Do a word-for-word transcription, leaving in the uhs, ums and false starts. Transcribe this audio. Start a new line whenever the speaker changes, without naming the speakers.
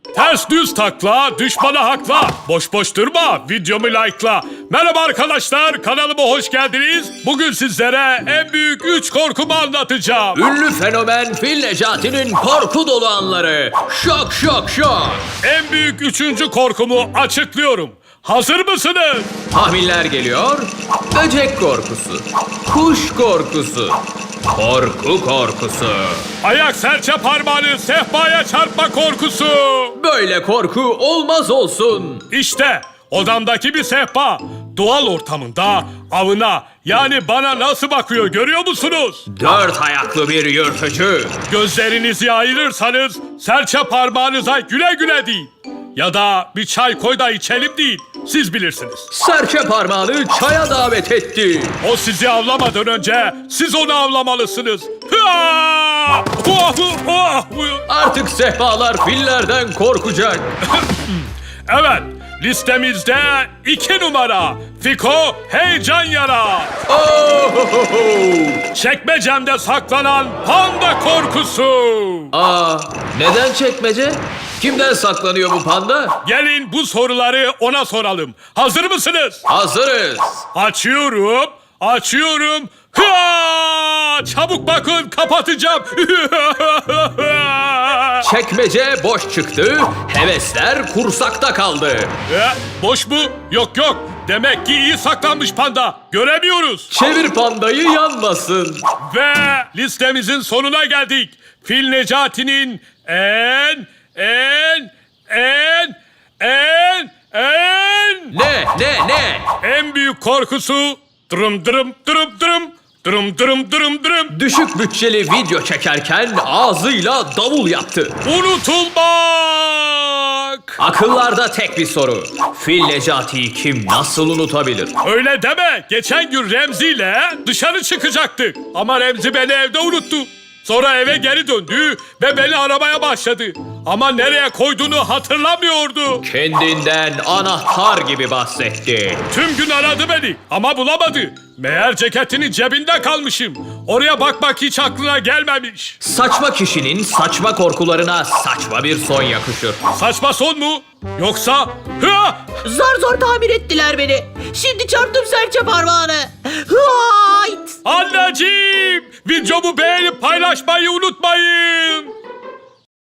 Ters düz takla, düşmana hakla. Boş boş durma, videomu like'la. Merhaba arkadaşlar, kanalıma hoş geldiniz. Bugün sizlere en büyük üç korkumu anlatacağım.
Ünlü fenomen Fil Necati'nin korku dolu anları. Şok şok şok.
En büyük üçüncü korkumu açıklıyorum. Hazır mısınız?
Tahminler geliyor. Böcek korkusu. Kuş korkusu. Korku korkusu.
Ayak serçe parmağını sehpaya çarpma korkusu.
Böyle korku olmaz olsun.
İşte odamdaki bir sehpa. Doğal ortamında avına yani bana nasıl bakıyor görüyor musunuz?
Dört ayaklı bir yırtıcı.
Gözlerinizi ayırırsanız serçe parmağınıza güle güle deyin. Ya da bir çay koy da içelim değil. Siz bilirsiniz.
Serçe parmağını çaya davet etti.
O sizi avlamadan önce siz onu avlamalısınız. Hıa! Hua! Hua!
Artık sehpalar fillerden korkacak.
Evet, listemizde iki numara. Fiko heyecan yara.
Oh!
Çekmecemde saklanan panda korkusu.
Aa, neden çekmece? Kimden saklanıyor bu panda?
Gelin bu soruları ona soralım. Hazır mısınız?
Hazırız.
Açıyorum, açıyorum. Hıa! Çabuk bakın kapatacağım.
Çekmece boş çıktı, hevesler kursakta kaldı.
E, boş mu? Yok yok. Demek ki iyi saklanmış panda. Göremiyoruz.
Çevir pandayı yanmasın.
Ve listemizin sonuna geldik. Fil Necati'nin en, en, en, en, en,
Ne, ne, ne?
en büyük korkusu dırım dırım dırım dırım dırım dırım dırım dırım
Düşük bütçeli video çekerken ağzıyla davul yaptı.
unutulmak.
Akıllarda tek bir soru. Fil Necati'yi kim nasıl unutabilir?
Öyle deme. Geçen gün Remzi ile dışarı çıkacaktık. Ama Remzi beni evde unuttu. Sonra eve geri döndü ve beni aramaya başladı. Ama nereye koyduğunu hatırlamıyordu.
Kendinden anahtar gibi bahsetti.
Tüm gün aradı beni ama bulamadı. Meğer ceketinin cebinde kalmışım. Oraya bakmak hiç aklına gelmemiş.
Saçma kişinin saçma korkularına saçma bir son yakışır.
Saçma son mu? Yoksa... Hıa!
Zar zor tamir ettiler beni. Şimdi çarptım serçe parmağını. Hıayt!
Anneciğim! Videomu beğenip paylaşmayı unutmayın.